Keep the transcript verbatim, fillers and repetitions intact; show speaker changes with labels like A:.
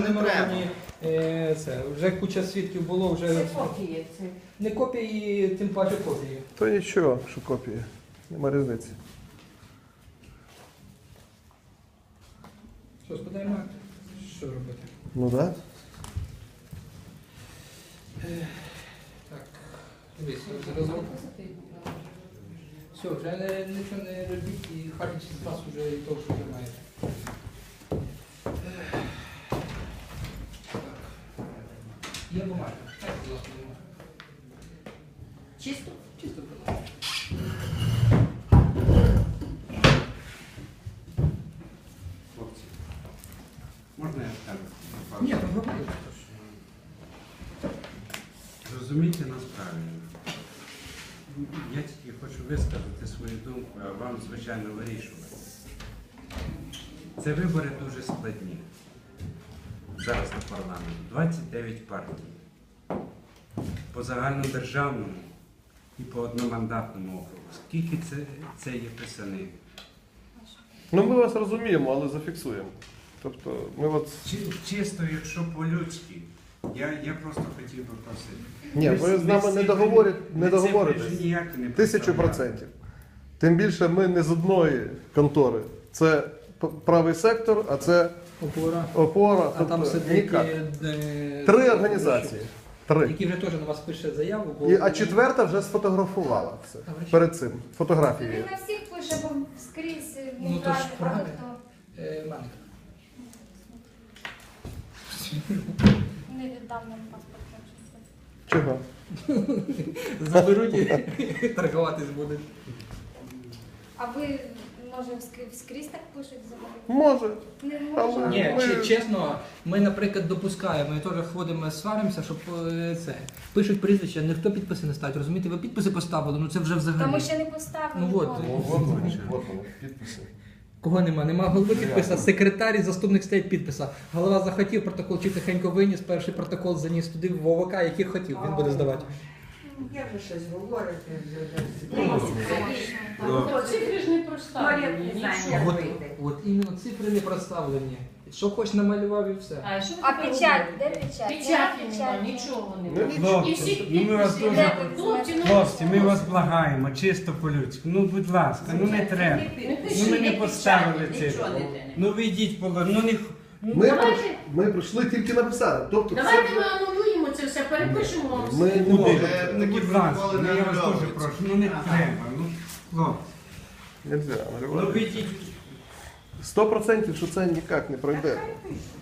A: не
B: нумеровані, е, це, вже куча свідків було, вже
C: Це копії. Це.
B: не копії, тим паче копії.
D: То нічого, що копії. Нема різниці.
B: Що, складаємо акт? Що робити?
D: Ну так. Да.
B: Так, дивись, разом. Все, вже не, нічого не робіть і хватить з вас вже і того, що ви маєте. Е, так. Є бумага. Так, будь ласка, бумага.
C: Чисто?
B: Чисто, будь ласка.
A: Хлопці, можна я скажу?
B: Ні, проговорюйте.
A: Зрозумійте нас правильно. Я тільки хочу висказати свою думку, а вам, звичайно, вирішувати. Це вибори дуже складні. Зараз на парламент. двадцять дев'ять партій. По загальнодержавному і по одномандатному округу. Скільки це, це є писанин?
D: Ну ми вас розуміємо, але зафіксуємо. Тобто ми от.
A: Чи, чисто, якщо по-людськи, я, я просто хотів би просити.
D: Ні, ви з нами не договорите, не договоритесь. Тисячу процентів. Тим більше ми не з одної контори. Це п- правий сектор, а це
B: Опора.
D: опора.
B: А там
D: тобто
B: сидить
D: ніяк.
B: е,
D: Три організації. Три.
B: які вже теж на вас пише заяву. Бо...
D: І, а четверта вже сфотографувала це. Перед цим.
E: Він
D: Фотографії.
E: на всіх пише, бо скрізь
B: Ну,
E: ну,
B: то ж
E: багато
B: правильно.
E: хто
B: Е, Манка.
E: не віддав нам паспорт.
D: Чого?
B: Заберуть і торгуватись будуть.
E: А ви, може, вскрі- вскрізь так пишуть взагалі?
D: Може.
E: Не
D: Але-
E: можна.
B: Ні,
D: Ми-
B: чи- чесно, ми, наприклад, допускаємо, ми теж ходимо, сваримося, щоб е, це. Пишуть прізвища, ніхто підписи не ставить, розумієте? Ви підписи поставили, ну це вже взагалі.
E: Та ми ще не поставили.
B: Ну, от.
E: ніколи.
D: От вони, підписи.
B: Кого нема? Нема голови підписа, секретар і заступник стоять підписа. Голова захотів протокол, чи тихенько виніс, перший протокол заніс туди в ОВК, який хотів, він буде здавати.
C: Я вже щось говорю.
F: Цифри ж не проставлені, нічого.
B: От, от іменно цифри не проставлені. Що хоч намалював і все.
F: А що ви
E: А
F: про
E: печать,
F: робите?
E: де печать?
F: Печаті
E: Нема
F: нема, нічого
D: Ну,
F: немає.
D: нічого.
F: І всі
A: Ну, ми вас
F: підписи.
A: дуже-
F: Де ви? Хлопці, ну,
A: Хлопці, ми вас благаємо, чисто по-людськи. Ну, будь ласка, ну не треба. Ну ми не поставили цифру. Ну ви йдіть по ну не
D: Ми,
F: Давайте.
D: ми прийшли тільки написати. Тобто
F: Давайте
D: це
F: ми анулюємо це все, перепишемо.
D: ми не
A: куди.
D: можемо.
A: Ну, будь ласка, ну, я вас дуже прошу, ну не треба. Ну, хлопці,
D: Нельзя.
A: ну ви йдіть.
D: Сто процентів, що це ніяк не пройде.